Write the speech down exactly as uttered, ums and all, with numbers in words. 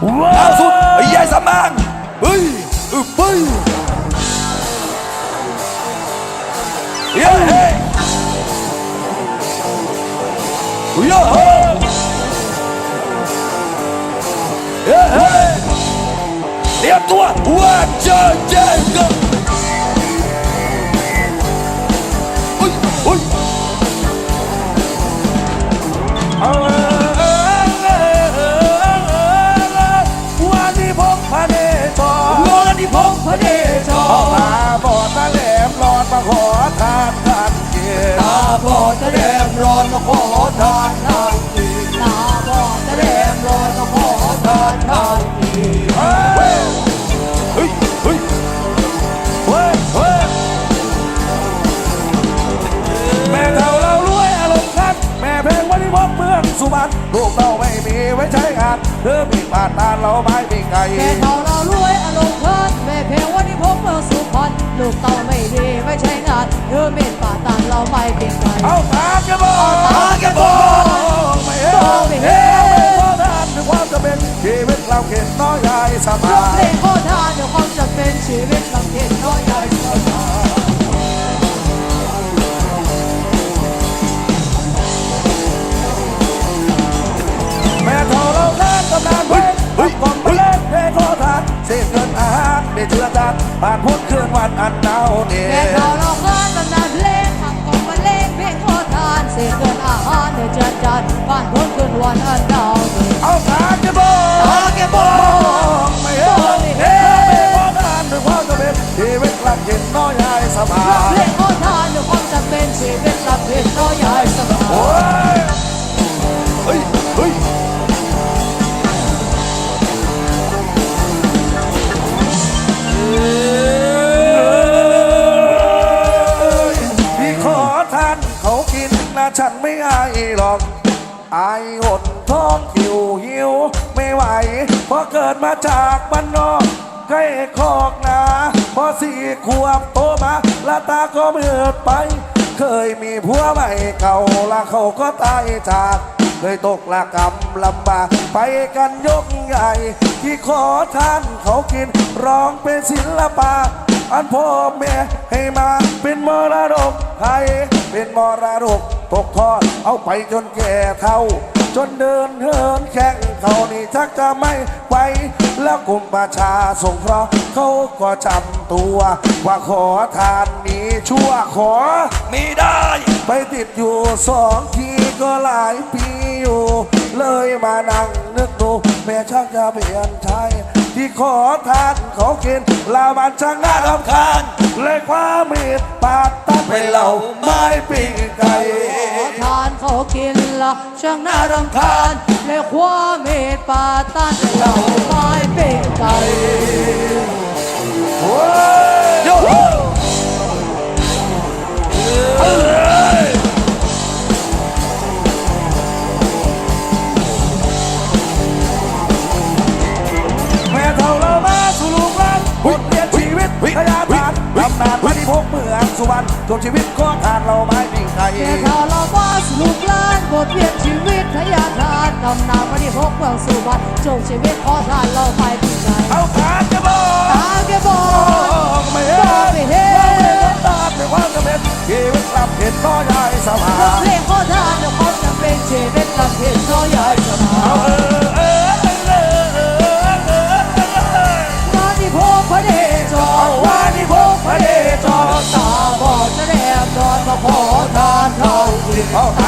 ล่าสุดไอ้ยายสำนางเฮ้ยอึบเฮ้ยเฮ้ยเฮ้ยเฮ้ยเฮ้ยเฮ้ยเตรียมตัวว่าเจอเจอกันเฮ้ยเฮ้ยวันนี้พบพระเดชวันนี้พบพระเดชตาบอดตาแหลมรอนมาขอทานทานเกียรติตาบอดตาแหลมรอนมาขอทานทานเกียรติตาบอดตาแหลมรอนมาขอทานทานเกียรติเฮ้ยเฮ้ยเฮ้ยเฮ้ยเฮ้ยแม่เท่าเรารวยอารมณ์คันแม่เพลงวันนี้พบเมืองสุพรรณลูกเราไม่มีไว้ใช้งานเธอมีบาดตาเราไม่มีไงแม่เท่าเรารวยอารมณ์คันแม่เพลงวันนี้พบเมืองสุพรรณลูกเต่าไม่ดีไม่ใช้งานเธอเม็ดบาดตาเราไม่เป็นไงเอาตากระบอกตากระบอกไม่เห็นไม่เห็นไม่พอทานถึงความจะเป็นชีวิตเราเข็นน้อยใหญ่สบายเพลงโคตรทานถึงความจะเป็นชีวิตเราเข็นน้อยใหญ่สบายแม่เท่าเราทานตำนานเพลงทำกล่องเพลงเพลงโคตรทานเสียเงินอาหารได้เชื่อจานผ่านพ้นคืนวันอันหนาวเหน็บแม่เท่าเราทานตำนานเพลงทำกล่องเพลงเพลงโคตรทานเสียเงินอาหารได้เชื่อจานผ่านพ้นคืนวันอันหนาวเหน็บเอาตากระบอกตากระบอกไม่เห็นไม่เห็นไม่พอทานถึงความจะเป็นชีวิตเราเข็นน้อยใหญ่สบายเพลงโคตรทานถึงความจะเป็นชีวิตเราเข็นน้อยใหญ่สบายเฮ้ยเฮ้ยพี่ขอทานเขากินนะฉันไม่อายหรอกอายหดท้องหิวหิวไม่ไหวเพราะเกิดมาจากบ้านนอกใกล้คอกนาพอสี่ขวบโตมาละตาก็มืดไปเคยมีผัวใหม่เก่าละเขาก็ตายจากเคยตกละกำลำบากไปกันยกใหญ่ที่ขอทานเขากินร้องเป็นศิลปะอันพ่อแม่ให้มาเป็นมรดกไทยเป็นมรดกตกทอดเอาไปจนแก่เฒ่าจนเดินเหินแข่งเขานี่ชักจะไม่ไหวแล้วกลุ่มประชาสงเคราะห์เขาก็จำตัวว่าขอทานนี้ชั่วขอไม่ได้ไปติดอยู่สองทีก็หลายปีอยู่เลยมานั่งนึกดูแม่ชักจะเปลี่ยนใจที่ขอทานเขากินลาบันช่างน่ารำคาญเลยความเมตปากตัดเป็นเหล่าไม้ปีกไก่ขอทานเขากินละช่างน่ารำคาญเลยความเมตปาตันเป็นเหล่าไม้ปีกไก่โยแม่เท่าเรามาสู่ลูกหลานบทเรียนชีวิตพยาบาลตำนานวันที่พกเมืองสุวรรณจบชีวิตก็ทานเราไม่มีใครแม่เท่าเรามาสู่ลูกหลานบทเรียนชีวิตพยาบาลตำนานวันที่พกเมืองสุวรรณจบชีวิตก็ทานเราไม่มีใครเอาตากระบอกตากระบอกไม่เห็นไม่เห็นตาเป็นความจำเป็นชีวิตรับเห็นน้อยใหญ่สบายเพลงโคตรทานเดี๋ยวความจำเป็นชีวิตรับเห็นน้อยใหญ่สบายวันที่พบพระเดชวันที่พบพระเดชตาบอดจะแดงนอนมาขอทานเท่ากินเอาต